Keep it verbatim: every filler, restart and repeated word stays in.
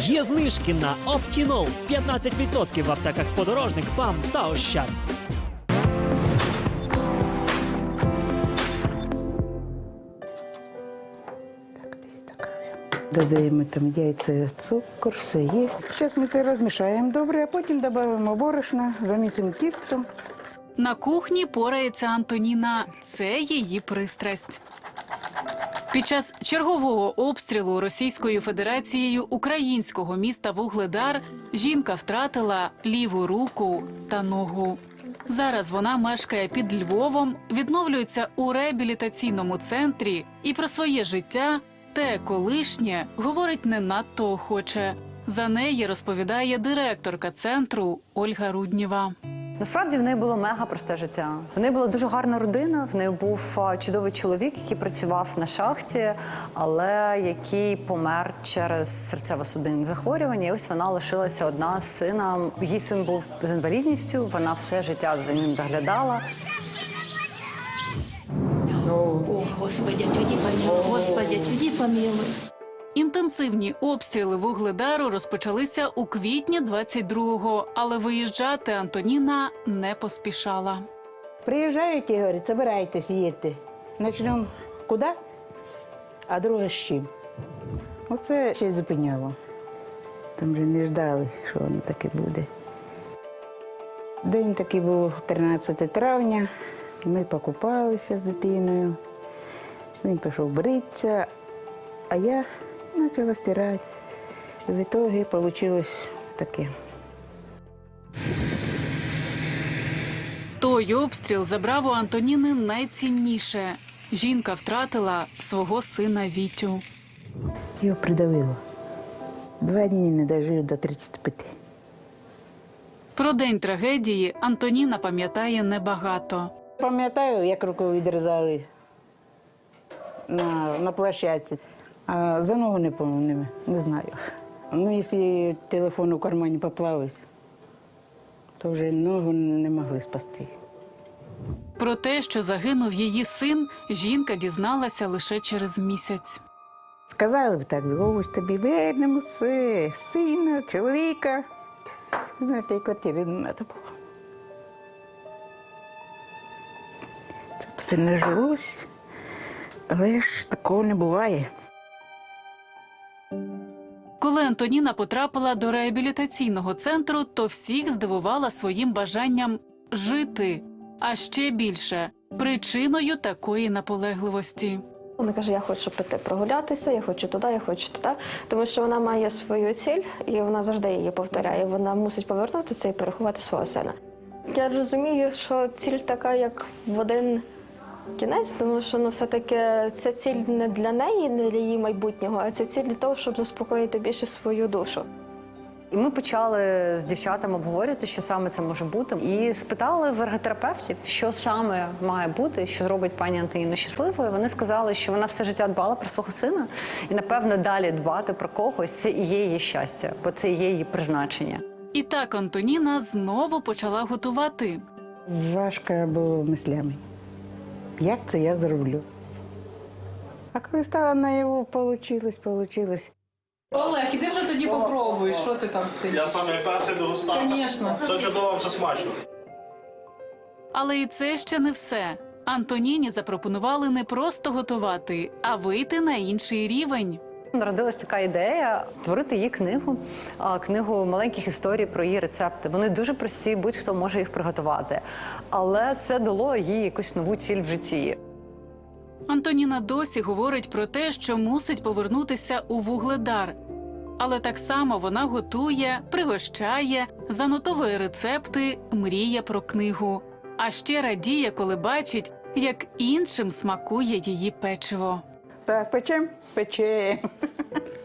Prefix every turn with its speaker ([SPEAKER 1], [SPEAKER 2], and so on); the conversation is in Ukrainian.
[SPEAKER 1] Є знижки на Оптінол п'ятнадцять відсотків в аптеках «Подорожник», «ПАМ» та «Ощад».
[SPEAKER 2] Додаємо там яйця, цукор, все є. Зараз ми це розмішаємо добре, а потім додаємо борошна, замісимо тістом.
[SPEAKER 3] На кухні порається Антоніна. Це її пристрасть. Під час чергового обстрілу Російською Федерацією українського міста Вугледар жінка втратила ліву руку та ногу. Зараз вона мешкає під Львовом, відновлюється у реабілітаційному центрі і про своє життя, те колишнє, говорить не надто охоче. За неї розповідає директорка центру Ольга Руднєва.
[SPEAKER 4] Насправді в неї було мега просте життя. В неї була дуже гарна родина, в неї був чудовий чоловік, який працював на шахті, але який помер через серцево-судинні захворювання. І ось вона лишилася одна з сином. Її син був з інвалідністю, вона все життя за ним доглядала.
[SPEAKER 5] О, Господи, отведи помилуй, Господи, отведи помилуй.
[SPEAKER 3] Інтенсивні обстріли Вугледару розпочалися у квітні двадцять другого, але виїжджати Антоніна не поспішала.
[SPEAKER 2] Приїжджають і говорять, збирайтесь, їдьте. Почнемо куди, а друге з чим. Оце ще й зупиняло. Там вже не ждали, що воно таке буде. День такий був тринадцяте травня. Ми покупалися з дитиною. Він пішов бритися, а я почала стирати. І в ітогі вийшло таке.
[SPEAKER 3] Той обстріл забрав у Антоніни найцінніше. Жінка втратила свого сина Вітю.
[SPEAKER 2] Його придавило. Два дні не дожив до тридцяти п'яти.
[SPEAKER 3] Про день трагедії Антоніна пам'ятає небагато.
[SPEAKER 2] Пам'ятаю, як руку відрізали на, на площадці. А за ногу не пам'ятаю, не, не знаю. Ну, якщо телефон у кармані поплавився, то вже ногу не могли спасти.
[SPEAKER 3] Про те, що загинув її син, жінка дізналася лише через місяць.
[SPEAKER 2] Сказали б так, ось тобі вернемо все, сина, чоловіка. Знаєте, і квартири не треба було. Це все не жилось, але ж такого не буває.
[SPEAKER 3] Коли Антоніна потрапила до реабілітаційного центру, то всіх здивувала своїм бажанням жити. А ще більше – причиною такої наполегливості.
[SPEAKER 6] Вона каже, я хочу піти прогулятися, я хочу туди, я хочу туди. Тому що вона має свою ціль, і вона завжди її повторяє. Вона мусить повернутися і переховати свого сина. Я розумію, що ціль така, як в один кінець, тому що ну, все-таки ця ціль не для неї, не для її майбутнього, а це ціль для того, щоб заспокоїти більше свою душу.
[SPEAKER 4] І ми почали з дівчатами обговорювати, що саме це може бути. І спитали в ерготерапевтів, що саме має бути, що зробить пані Антоніну щасливою. Вони сказали, що вона все життя дбала про свого сина. І, напевно, далі дбати про когось – це і є її щастя, бо це і є її призначення.
[SPEAKER 3] І так Антоніна знову почала готувати.
[SPEAKER 2] Важко було мислями. Як це я зроблю? А коли стала наяву, вийшло, вийшло.
[SPEAKER 7] Олег, іди вже тоді попробуй, що ти там стоїш.
[SPEAKER 8] Я саме перший дегустатор.
[SPEAKER 7] Звісно.
[SPEAKER 8] Все чудово, все смачно.
[SPEAKER 3] Але і це ще не все. Антоніні запропонували не просто готувати, а вийти на інший рівень.
[SPEAKER 4] Народилась така ідея створити її книгу, а, книгу маленьких історій про її рецепти. Вони дуже прості, будь-хто може їх приготувати. Але це дало їй якусь нову ціль в житті.
[SPEAKER 3] Антоніна досі говорить про те, що мусить повернутися у Вугледар. Але так само вона готує, пригощає, занотовує рецепти, мріє про книгу. А ще радіє, коли бачить, як іншим смакує її печиво.
[SPEAKER 2] Так, печем? Печем.